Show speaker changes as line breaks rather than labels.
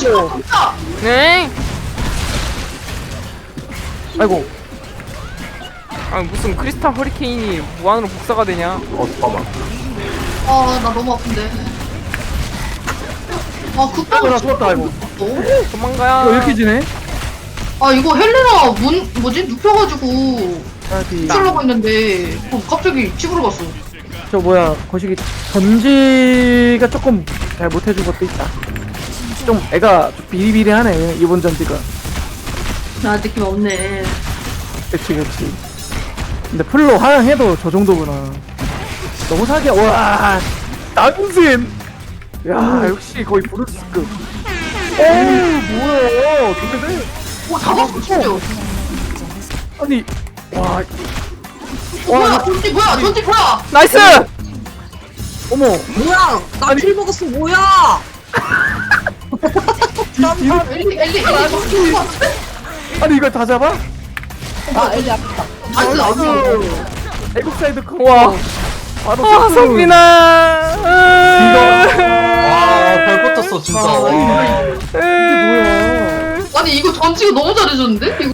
진짜.
네.
아이고.
아 무슨 크리스탈 허리케인이 무한으로 복사가 되냐?
잠깐만.
아, 나 너무 아픈데. 아,
아이고,
급하게
나 죽었다, 아이고.
도망가야.
이거 이렇게 지네?
아, 이거 헬레나 뭐지? 눕혀가지고
아디.
치려고 했는데 갑자기 집으로 갔어.
저 뭐야, 거시기 전지가 조금 잘 못해준 것도 있다. 좀 애가 좀 비리비리하네, 이번 전지가.
나 느낌 없네.
그치. 근데 풀로 하향해도 저 정도구나. 너무 사기야. 와, 남신! 야, 역시 거의 브루스급. 오, 뭐야, 어떻게 돼?
오, 잡았어, 진짜.
아니, 와,
뭐야, 전지 뭐야, 전지 뭐야?
나이스.
어머,
뭐야? 나
아니.
킬 먹었어. 뭐야?
엘리 전지 것 같은데?
아니 이걸 다 잡아?
아, 엘리 아프다.
나이스, 나이스.
애국 사이드 컷.
와.
바로
아
서브.
성빈아.
와, 별 뻗었어, 진짜. 와.
이게 뭐야?
아니, 이거 전지가 너무 잘해줬는데? 이거